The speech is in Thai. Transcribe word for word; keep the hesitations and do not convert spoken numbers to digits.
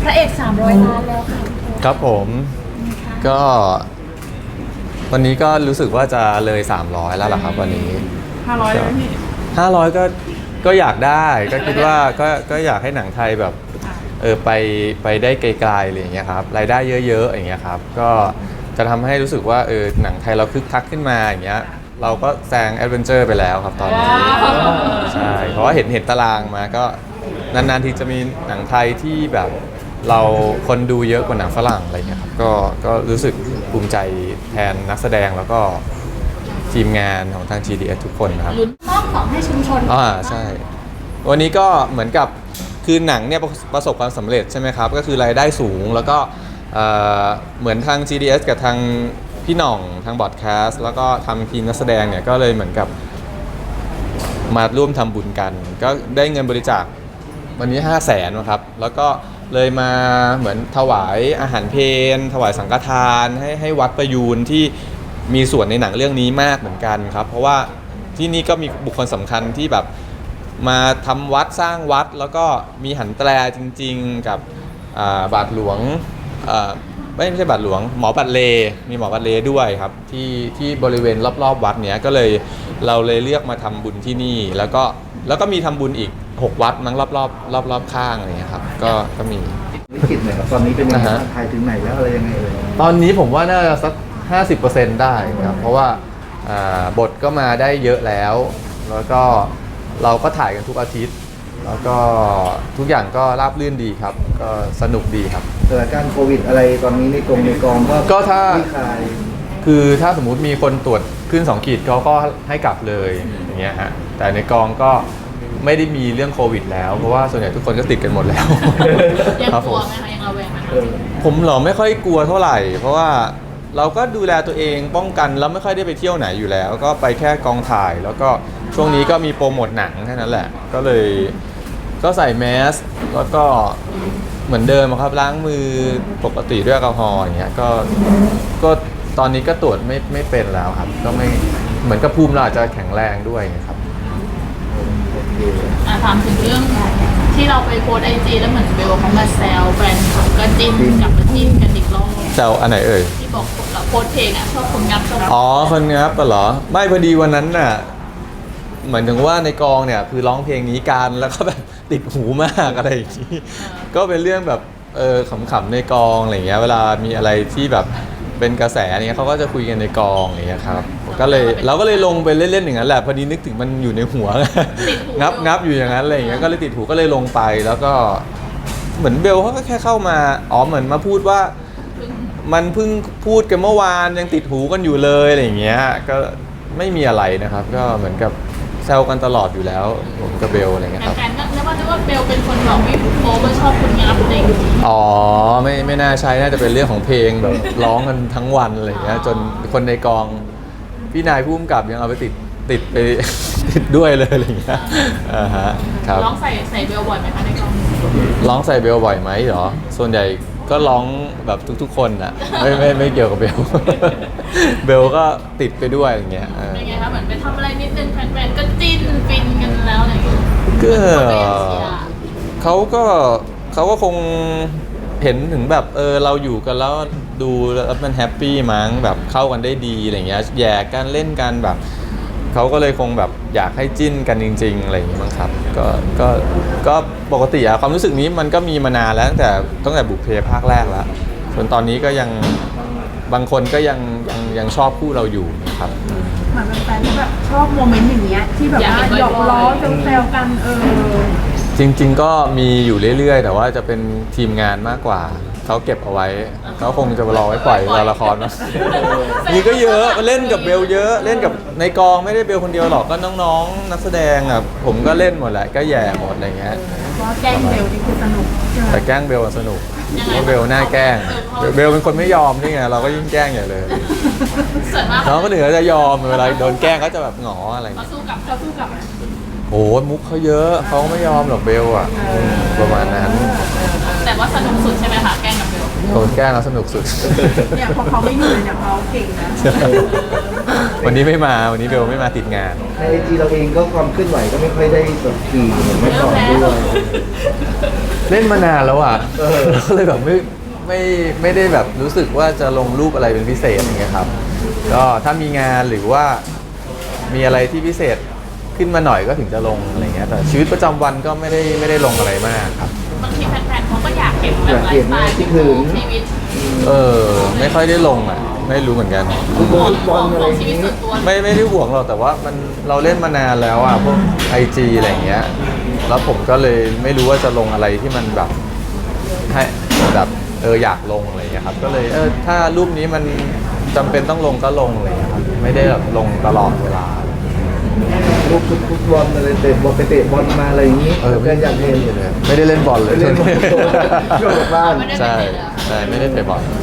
พระเอกสามร้อยล้านแล้วค่ะครับผมก็วันนี้ก็รู้สึกว่าจะเลยสามร้อยแล้วล่ะครับวันนี้ห้าร้อยแล้วพี่ห้าร้อยก็ก็อยากได้ก็คิดว่าก็ก็อยากให้หนังไทยแบบเออไปไปได้ไกลๆอะไรอย่างเงี้ยครับรายได้เยอะๆอย่างเงี้ยครับก็จะทำให้รู้สึกว่าเออหนังไทยเราคึกคักขึ้นมาอย่างเงี้ยเราก็แซงแอดเวนเจอร์ไปแล้วครับตอนนี้ใช่เพราะว่าเห็นเห็นตารางมาก็นานๆทีจะมีหนังไทยที่แบบเราคนดูเยอะกว่าหนังฝรั่งอะไรเงี้ยครับก็ก็รู้สึกภูมิใจแทนนักแสดงแล้วก็ทีมงานของทาง จี ดี เอส ทุกคนนะครับลุ้นมอบของให้ชุมชนอ่าใช่วันนี้ก็เหมือนกับคือหนังเนี่ยประสบความสำเร็จใช่ไหมครับก็คือรายได้สูงแล้วก็เหมือนทาง จี ดี เอส กับทางพี่หน่องทางบอดแคสต์แล้วก็ทำทีมนักแสดงเนี่ยก็เลยเหมือนกับมาร่วมทำบุญกันก็ได้เงินบริจาควันนี้ห้าแสนนะครับแล้วก็เลยมาเหมือนถวายอาหารเพลถวายสังฆทานให้ให้วัดประยูนที่มีส่วนในหนังเรื่องนี้มากเหมือนกันครับเพราะว่าที่นี่ก็มีบุคคลสำคัญที่แบบมาทำวัดสร้างวัดแล้วก็มีหันแตรจริงๆกับบาทหลวงไม่ไม่ใช่บาทหลวงหมอบัตรเลมีหมอบัตรเลด้วยครับที่ที่บริเวณรอบๆวัดเนี้ยก็เลยเราเลยเลือกมาทำบุญที่นี่แล้วก็แล้วก็มีทำบุญอีกหกวัดมั้งรอบๆรอบๆข้างอะไรเงี้ยครับก็ก็มีวิกฤตหน่อยครับตอนนี้เป็นยังไงไทยถึงไหนแล้วอะไรยังไงเอ่ยตอนนี้ผมว่าน่าจะสัก ห้าสิบเปอร์เซ็นต์ ได้ครับเพราะว่าบทก็มาได้เยอะแล้วแล้วก็เราก็ถ่ายกันทุกอาทิตย์แล้วก็ทุกอย่างก็ราบรื่นดีครับก็สนุกดีครับสถานการณ์โควิดอะไรตอนนี้ในกองในกองก็ก็ถ้าคือถ้าสมมุติมีคนตรวจขึ้นสองขีดเขาก็ให้กลับเลยอย่างเงี้ยฮะแต่ในกองก็ไม่ได้มีเรื่องโควิดแล้วเพราะว่าส่วนใหญ่ทุกคนก็ติดกันหมดแล้วยังกลัวไหมคะยังระแวงไหมผมเหรอไม่ค่อยกลัวเท่าไหร่เพราะว่าเราก็ดูแลตัวเองป้องกันแล้วไม่ค่อยได้ไปเที่ยวไหนอยู่แล้วก็ไปแค่กองถ่ายแล้วก็ช่วงนี้ก็มีโปรโมทหนังแค่นั้นแหละก็เลยก็ใส่แมสแล้วก็เหมือนเดิมครับล้างมือปกติด้วยแอลกอฮอล์อย่างเงี้ยก็ก็ตอนนี้ก็ตรวจไม่ไม่เป็นแล้วครับก็ไม่เหมือนกับภูมิเราอาจจะแข็งแรงด้วยครับอ่ะถามถึงเรื่องที่เราไปโพสไอจีแล้วเหมือนเบลเขามาแซวแฟนเขาก็จิ้นกลับมาจิ้นกันอีกรอบแซวอันไหนเอ่ยที่บอกเราโพสเพลงอ่ะชอบคนงับชอบอ๋อคนงับปะเหรอไม่พอดีวันนั้นน่ะเหมือนถึงว่าในกองเนี่ยคือร้องเพลงนี้กันแล้วก็แบบติดหูมากอะไรอย่างนี้ก็เป็นเรื่องแบบเออขำๆในกองอะไรเงี้ยเวลามีอะไรที่แบบเป็นกระแสอะไรเงี้ยเขาก็จะคุยกันในกองอย่างเงี้ยครับก็เลยเราก็เลยลงไปเล่นๆอย่างนั้นแหละพอดีนึกถึงมันอยู่ในหัวงับงับอยู่อย่างนั้นอะไรอย่างเงี้ยก็เลยติดหูก็เลยลงไปแล้วก็เหมือนเบลเขาก็แค่เข้ามาอ๋อเหมือนมาพูดว่ามันเพิ่งพูดกันเมื่อวานยังติดหูกันอยู่เลยอะไรอย่างเงี้ยก็ไม่มีอะไรนะครับก็เหมือนกับแซวกันตลอดอยู่แล้วผมกับเบลอะไรเงี้ยครับแฟนๆก็นึกว่านึกว่าเบลเป็นคนบอกไม่โป๊ว่าชอบคนงับอะไรอย่างงี้อ๋อไม่ไม่น่าใช่น่าจะเป็นเรื่องของเพลงแบบร้องกันทั้งวันอะไรเงี้ยจนคนในกองพี่นายผู้กำกับยังเอาไปติดติดไปติดด้วยเลยอะไรเงี้ยอ่าฮะครับร้องใส่ใส่เบลบ่อยไหมคะในกองร้องใส่เบลบ่อยไหมเหรอส่วนใหญ่ก็ร้องแบบทุกๆคนอ่ะไม่ไม่ไม่เกี่ยวกับเบลเบลก็ติดไปด้วยอย่างเงี้ยเป็นไงคะเหมือนไปทำอะไรนิดนึงแฟนๆก็จิ้นฟินกันแล้วอะไรอย่างเงี้ยก็เขาก็เขาก็คงเห็นถึงแบบเออเราอยู่กันแล้วดูแล้วมันแฮปปี้มั้งแบบเข้ากันได้ดีอะไรเงี้ยแย่กันเล่นกันแบบเขาก็เลยคงแบบอยากให้จิ้นกันจริงๆอะไรอย่างงี้มั้งครับก็ก็ก็ปกติอะความรู้สึกนี้มันก็มีมานานแล้วตั้งแต่ตั้งแต่บุพเพภาคแรกแล้วส่วนตอนนี้ก็ยังบางคนก็ยังยังยังชอบคู่เราอยู่นะครับเหมือนแฟนๆแบบชอบโมเมนต์อย่างเงี้ยที่แบบว่าหยอกล้อแซวกันเออจริงๆก็มีอยู่เรื่อยๆแต่ว่าจะเป็นทีมงานมากกว่าเขาเก็บเอาไว้เขาคงจะรอไว้ปล่อยเวลาละครนะนี่ก็เยอะเล่นกับเบลเยอะเล่นกับในกองไม่ได้เบลคนเดียวหรอกก็น้องๆนักแสดงอ่ะผมก็เล่นหมดแหละก็แย่หมดอะไรเงี้ยก็แกล้งเบลนี่คือสนุกแต่แกล้งเบลสนุกเพราะเบลน่าแกล้งเบลเป็นคนไม่ยอมนี่ไงเราก็ยิ่งแกล้งใหญ่เลยน้องก็เหนือจะยอมเวลาโดนแกล้งก็จะแบบหงออะไรเขาสู้กับเขาสู้กับโอ้มุกเขาเยอะเขาไม่ยอมหรอกเบลอ่ะประมาณนั้นแต่แต่ว่าสนุกสุดใช่ไหมคะแกล้งกับเบลโดนแกล้งแล้วสนุกสุดเนี่ยพอเขาไม่อยู่เลยเนี่ยเขาเก่งนะวันนี้ไม่มาวันนี้เบลไม่มาติดงานในไอจีเราเองก็ความเคลื่อนไหวก็ไม่ค่อยได้สดทีเหมือนเมื่อก่อนด้วยเล่นมานานแล้วอ่ะเออก็เลยแบบไม่ไม่ไม่ได้แบบรู้สึกว่าจะลงรูปอะไรเป็นพิเศษอย่างเงี้ยครับ ก็ถ้ามีงานหรือว่ามีอะไรที่พิเศษขึ้นมาหน่อยก็ถึงจะลงอะไรเงี้ยแต่ชีวิตประจำวันก็ไม่ได้ไม่ได้ลงอะไรมากครับบางทีแฟนๆเขาก็อยากเห็นแบบไลฟ์สไตล์ชีวิตเออไม่ค่อยได้ลงอ่ะไม่รู้เหมือนกันฟุตบอลฟุตบอลอะไรชีอย่างวิตนี้ส่วนตัวไม่ไม่ได้ห่วงหรอกแต่ว่ามันเราเล่นมานานแล้วอ่ะพวกไอจีอะไรเงี้ยแล้วผมก็เลยไม่รู้ว่าจะลงอะไรที่มันแบบให้แบบเอออยากลงอะไรเงี้ยครับก็เลยเออถ้ารูปนี้มันจำเป็นต้องลงก็ลงอะไรเลยครับไม่ได้แบบลงตลอดเวลาลูกฟุตบอลอะไรเตะบอลไปเตะบอลมาอะไรอย่างนี้เออแฟนอยากเห็นไม่ได้เล่นบอลเลยไม่เล่นบอลโยนจากบ้านใช่ใช่ไม่ได้เตะบอล